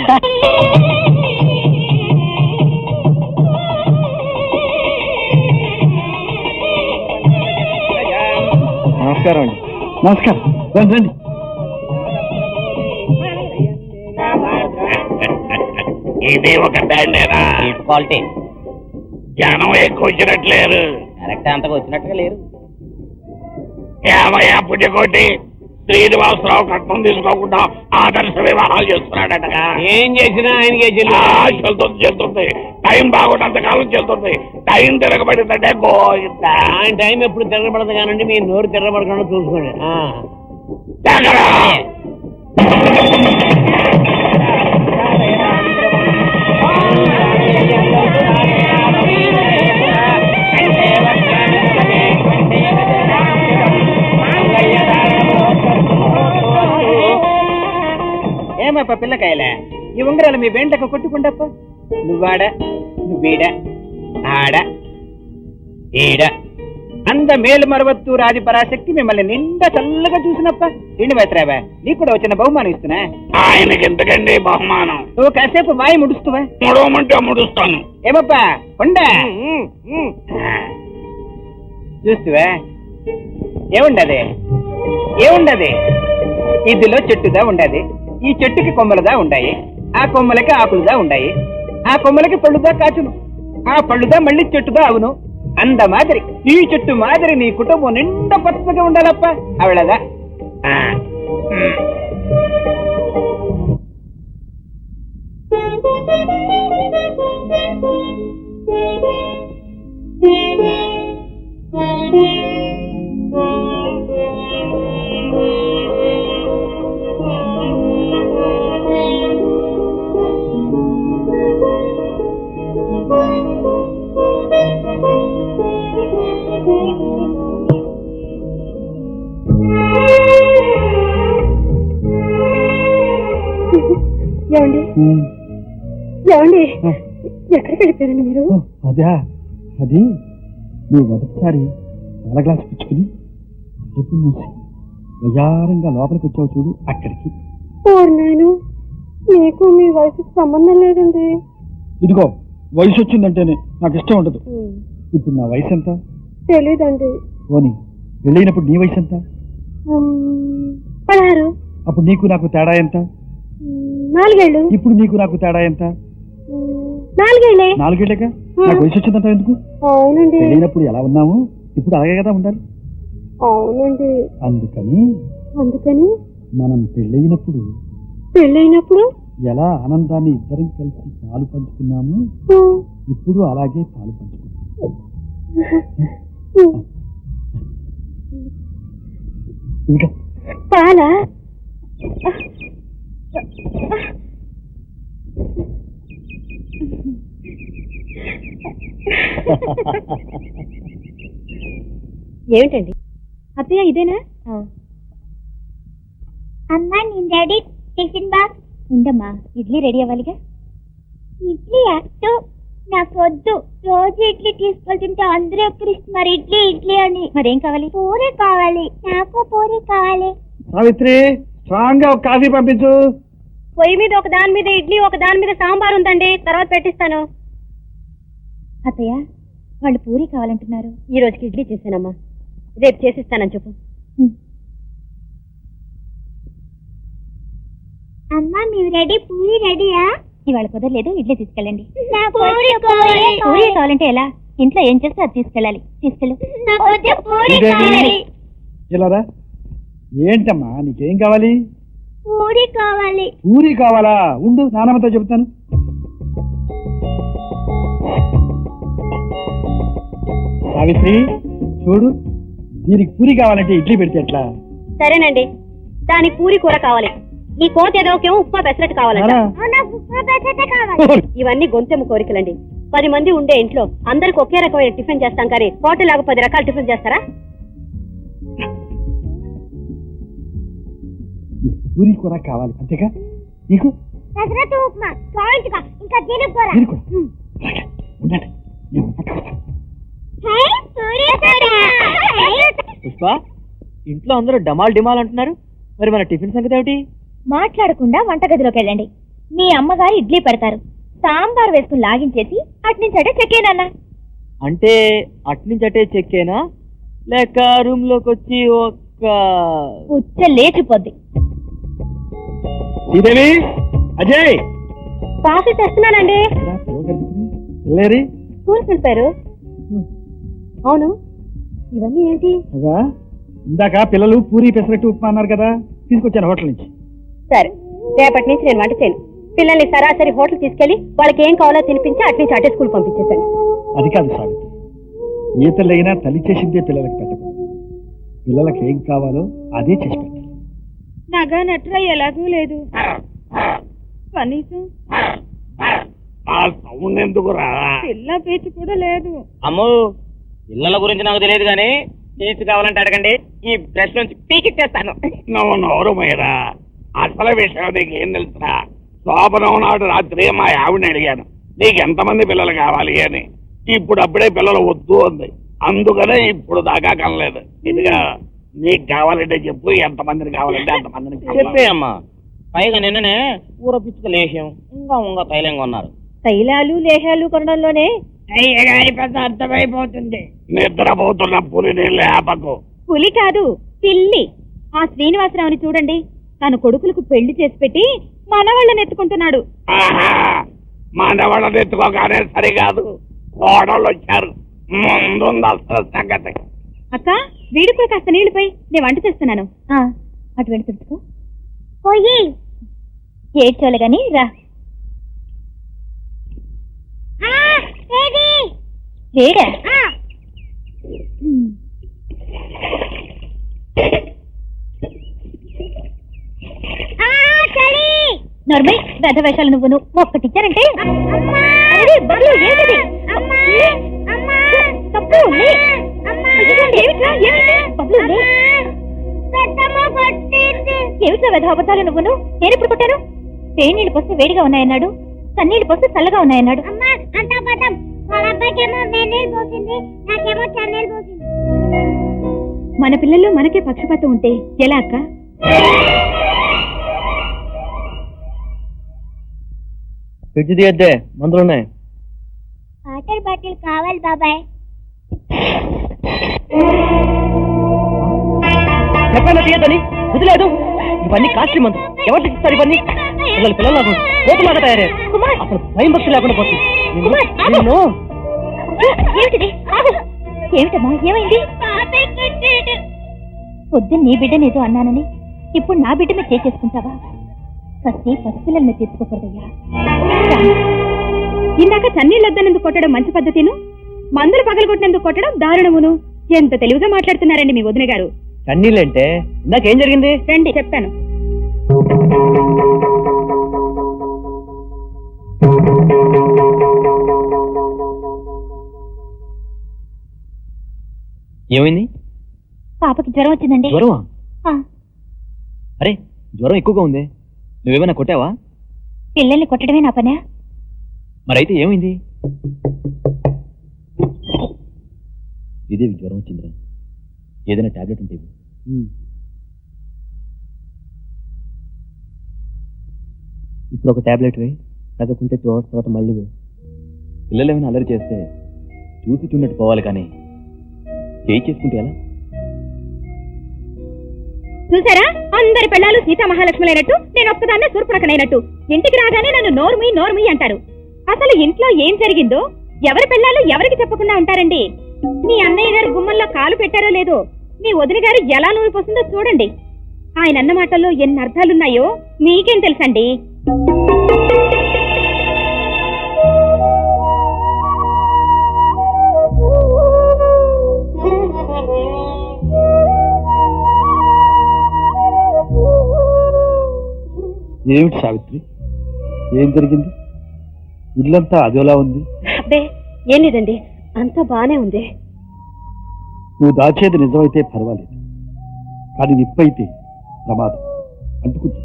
నమస్కారం అండి. నమస్కారం. రండి. ఇది ఒక దండేనా? క్వాలిటీ జనం ఎక్కువ వచ్చినట్లేరు. కరెక్ట్ అంతగా వచ్చినట్టుగా లేరు. ఏమయ్యా పుణ్యకోటి, శ్రీనివాసరావు కట్నం తీసుకోకుండా ఆదర్శ వివాహాలు చేస్తున్నాడటగా. ఏం చేసినా ఆయనకే చెల్తుంది. టైం బాగున్నంతకాలం చెల్తుంది. టైం తిరగబడిందంటే గోయిందా. ఆయన టైం ఎప్పుడు తిరగబడదు కానండి, మీ నోరు తిరగబడకుండా చూసుకోండి. ఏమప్ప పిల్లకాయలే, ఈ ఉంగరాలు మీ వెంటకు కొట్టుకుంటప్ప. నువ్వాడ, నువ్వీడ, ఆడ, ఈడ అంద మేలు మరవత్తు రాజి పరాశక్తి మిమ్మల్ని నిండా చల్లగా చూసినప్ప. ఇండి మైత్రావా, నీకు కూడా వచ్చిన బహుమానం ఇస్తున్నా. ఆయనకి ఎందుకండి బహుమానం? నువ్వు కాసేపు వాయి ముడుస్తువా? ముడవమంటే ముడుస్తాను. ఏమప్పా కొండ చూస్తువా? ఏముండది? ఏముండది? ఇదిలో చెట్టుదా ఉండది. ఈ చెట్టుకి కొమ్మలదా ఉండాయి, ఆ కొమ్మలకి ఆకులుదా ఉండాయి, ఆ కొమ్మలకి పళ్ళుదా కాచును, ఆ పళ్ళుదా మళ్ళీ చెట్టుదా అవును. అంద మాదిరి ఈ చెట్టు మాదిరి నీ కుటుంబం నిండా పచ్చగా ఉండాలప్ప. అవళదా ఏమండి ఏమండి ఎక్కడికి వెళ్ళిపోయారండి మీరు? అదా, అది నువ్వు మొదటిసారి పాల గ్లాస్ పుచ్చుకుని తలుపు మూసి వయారంగా లోపలికి వచ్చావు చూడు, అక్కడికి. నేను మీకు మీ వయసుకి సంబంధం లేదండి. ఇదిగో వయసు వచ్చిందంటేనే నాకు ఇష్టం ఉండదు. ఇప్పుడు నా వయసు ఎంత? తెలీదండి. పోనీ వెళ్ళినప్పుడు నీ వయసు ఎంత? 16. అప్పుడు నీకు నాకు తేడా ఎంత? 4 ఏళ్ళు. ఇప్పుడు నీకు నాకు తేడా ఎంత? 4 ఏళ్ళే. 4 ఏళ్ళేగా. నాకు వయసు వచ్చిందంటావు ఎందుకు? అవునండి. వెళ్ళినప్పుడు ఎలా ఉన్నాము ఇప్పుడు అలాగే కదా ఉండాలి. అవునండి. అందుకని మనం పెళ్ళైనప్పుడు ఎలా ఆనందాన్ని ఇద్దరం కలిసి పాలు పంచుకున్నాము, ఇప్పుడు అలాగే పాలు పంచుకున్నాము. పాలా? ఏమిటండి అత్తయ్య ఇదేనా? అమ్మా నేను రెడీ. టిఫిన్ బాక్స్ ఉండమ్మా, ఇడ్లీ రెడీ అవ్వాలిగా. ఇడ్లీ అట్టు నాకు వద్దు. రోజు ఇడ్లీ తీసుకెళ్తుంటే అందరూ ఎక్కిరిస్తున్నారు ఇడ్లీ ఇడ్లీ అని. మరేం కావాలి? పూరి కావాలి. నాకు పూరి కావాలి. సావిత్రి, స్ట్రాంగ్ గా ఒక కాఫీ పంపించు. పొయ్యి మీద ఒక దాని మీద ఇడ్లీ, ఒక దాని మీద సాంబార్ ఉందండి, తర్వాత పెట్టిస్తాను. అత్తయ్య వాళ్ళు పూరి కావాలంటున్నారు. ఈ రోజుకి ఇడ్లీ చేశానమ్మా, రేపు చేసిస్తానని చెప్పు. అమ్మా మీరు రెడీ? పూరి రెడీయా? ఇవాళ కుదరలేదు, ఇడ్లీ తీసుకెళ్ళండి. పూరి కావాలంటే ఎలా? ఇంట్లో ఏం చేస్తే అది తీసుకెళ్ళాలి. తీసుకెళ్ళు. ఇలారా. ఏంటమ్మా నీకేం కావాలి? పూరి కావాలి. పూరి కావాలా? ఉండు, నానమ్మతో చెబుతాను. సావిత్రి చూడు, దీనికి పూరి కావాలంటే ఇడ్లీ పెడితే ఎట్లా? సరేనండి, దానికి పూరి కూర కావాలి. ఈ కోత ఏదోకేమో ఉప్మా పెసరట్టు కావాలంట. ఇవన్నీ గొంతెమ్మ కోరికలండి. 10 మంది ఉండే ఇంట్లో అందరికి ఒకే రకమైన టిఫిన్ చేస్తాం, కానీ హోటల్ లాగా 10 రకాల టిఫిన్ చేస్తారా? పూరి కూర కావాలి అంతేగా? నీకు పుష్ప, ఇంట్లో అందరూ డమాల్ డిమాల్ అంటున్నారు, మరి మన టిఫిన్ సంగతి ఏమిటి? మాట్లాడకుండా వంటగదిలోకి వెళ్ళండి. మీ అమ్మగారు ఇడ్లీ పెడతారు, సాంబార్ వేసుకుని లాగించేసి అట్నుంచి అటే చెక్కేనన్న. అంటే అట్నుంచటే చెక్కేనా లేక రూమ్ లోకి వచ్చి ఒక్క ఉచ్చ లేచిపోద్ది. శ్రీదేవి, అజయ్ కాఫీ తెస్తున్నానండి. వెళ్ళారి స్కూల్కి వెళ్ళిపోయారు. అవును, ఇవన్నీ ఏంటి? అదా ఇందాక పిల్లలు పూరి పెసరట్టు ఉప్మా అన్నారు కదా, తీసుకొచ్చాను హోటల్ నుంచి. సరే, రేపటి నుంచి నేను వంట చేయను. పిల్లల్ని సరాసరి హోటల్ తీసుకెళ్లి వాళ్ళకి ఏం కావాలో తినిపించి అటు నుంచి అటే స్కూల్ పంపించేశాను. అది కాదు సావిత్రి, ఏ పిల్లైనా తల్లి చేసిందే పిల్లలకి పెట్టకూడదు. పిల్లలకి ఏం కావాలో అదే చేసి పెట్టాలి. నగా నట్రా ఎలాగూ లేదు, కనీసం ఆ సౌండ్ ఎందుకురా? పిల్ల పేచి కూడా లేదు. అమ్మో, పిల్లల గురించి నాకు తెలియదు కానీ పీచు కావాలంటే అడగండి, ఈ బ్రష్ నుంచి పీకిచ్చేస్తాను. నువ్వు నోరు మీరా, అసలు విషయం నీకు ఏం తెలుసురా? శోభనం నాడు రాత్రి మా ఆవిడని అడిగాను, నీకు ఎంతమంది పిల్లలు కావాలి అని. ఇప్పుడు అప్పుడే పిల్లలు వద్దు అంది, అందుకనే ఇప్పుడు దాకా కనలేదు. ఇదిగా నీకు కావాలంటే చెప్పు, ఎంతమందిని కావాలంటే అంతమందిని చెప్పే అమ్మా. పైగా నిన్ననే ఊర పిచ్చుక లేహ్యం ఇంకా తైలంగా ఉన్నారు. తైలాలు లేహాలు కొనడంలోనే పెద్ద అర్థమైపోతుంది. నిద్రపోతున్న పులిని లేపకు. పులి కాదు, పిల్లి. ఆ శ్రీనివాసరావుని చూడండి, తన కొడుకులకు పెళ్లి చేసి పెట్టి మనవాళ్ళని ఎత్తుకుంటున్నాడు. ఆహా, మనవాళ్ళని ఎత్తుకోగానే సరికాదు, కోడళ్ళు వచ్చారు. ముందుంది అసలు సంగతి. అక్క, వీడికి కాస్త నీళ్లుపై, నేను వంట చేస్తున్నాను. అటు వెళ్ళి తుడుచుకో. పోయి ఏడ్చోలే గాని రా. వేడా నర్మై గద వేషాలు నువ్వు ఒక్కటిచ్చారంటే ఏమిటో వెధవబద్ధాలు నువ్వును. నేను ఇప్పుడు కొట్టాను? వేణీళ్ళు పోస్తే వేడిగా ఉన్నాయన్నాడు, చన్నీళ్ళు పోస్తే చల్లగా ఉన్నాయన్నాడు. మన పిల్లల్లో మనకే పక్షపాతం ఉంటే ఎలా అక్క? ఫ్రిడ్జ్ తీయద్దే, మందులున్నాయి. వాటర్ బాటిల్ కావాలి బాబాయ్. చెప్పాను తీయద్దని, వదిలేదు. ఇవన్నీ కాస్ట్లీ మందు, ఎవరికి ఇస్తారు ఇవన్నీ? పిల్లలు నాకు కోపలాగా తయారయ్యారు. అసలు భయం భక్తి లేకుండా పోతుంది. ఏమిటమ్మా, ఏమైంది? పొద్దున్న నీ బిడ్డనేదో అన్నానని ఇప్పుడు నా బిడ్డ మీద చేసుకుంటావా? కసి పసిపిల్లల మీద తీసుకోకూడదయ్యా. ఇందాక చన్నీళ్ళొద్దనందుకు కొట్టడం మంచి పద్ధతిను, మందులు పగలగొట్టినందుకు కొట్టడం దారుణమును. ఎంత తెలివిగా మాట్లాడుతున్నారండి మీ వదిన గారు. కన్నీళ్ళంటే ఇందాకేం జరిగింది? రండి చెప్తాను. ఏమైంది? పాపకి జ్వరం వచ్చిందండి. జ్వరమా? అరే, జ్వరం ఎక్కువగా ఉంది, నువ్వేమైనా కొట్టావా? పిల్లల్ని కొట్టడమే నా పనా? మరైతే ఏమైంది? ఇదేవి జ్వరం వచ్చిందిరా, ఏదైనా టాబ్లెట్ ఉంటే ఇప్పుడు ఒక టాబ్లెట్ వేయి, తగ్గకుంటే 2 hours తర్వాత మళ్ళీ వేయి. పిల్లలు ఏమైనా అల్లరి చేస్తే చూసి చూడట్టు పోవాలి, కానీ చేయి చేసుకుంటే ఎలా? చూసారా, అందరి పిల్లలు సీతా మహాలక్ష్ములైనట్టు నేను ఒక్కదాన్నే సూర్పణకనైనట్టు. ఇంటికి రాగానే నన్ను నోర్మి నోర్మి అంటారు. అసలు ఇంట్లో ఏం జరిగిందో ఎవరి పిల్లలు ఎవరికి చెప్పకుండా ఉంటారండి. మీ అన్నయ్య గారు గుమ్మంలో కాలు పెట్టారో లేదో, మీ వదిన గారు ఎలా నూనె పోసిందో చూడండి. ఆయన అన్న మాటల్లో ఎన్ని అర్థాలున్నాయో మీకేం తెలుసండి. ఏమిటి సావిత్రి, ఏం జరిగింది? ఇల్లంతా అదోలా ఉంది. అబ్బే ఏం లేదండి, అంతా బానే ఉంది. నువ్వు దాచేది నిజమైతే పర్వాలేదు, కానీ నిప్పైతే ప్రమాదం అంటుకుంది.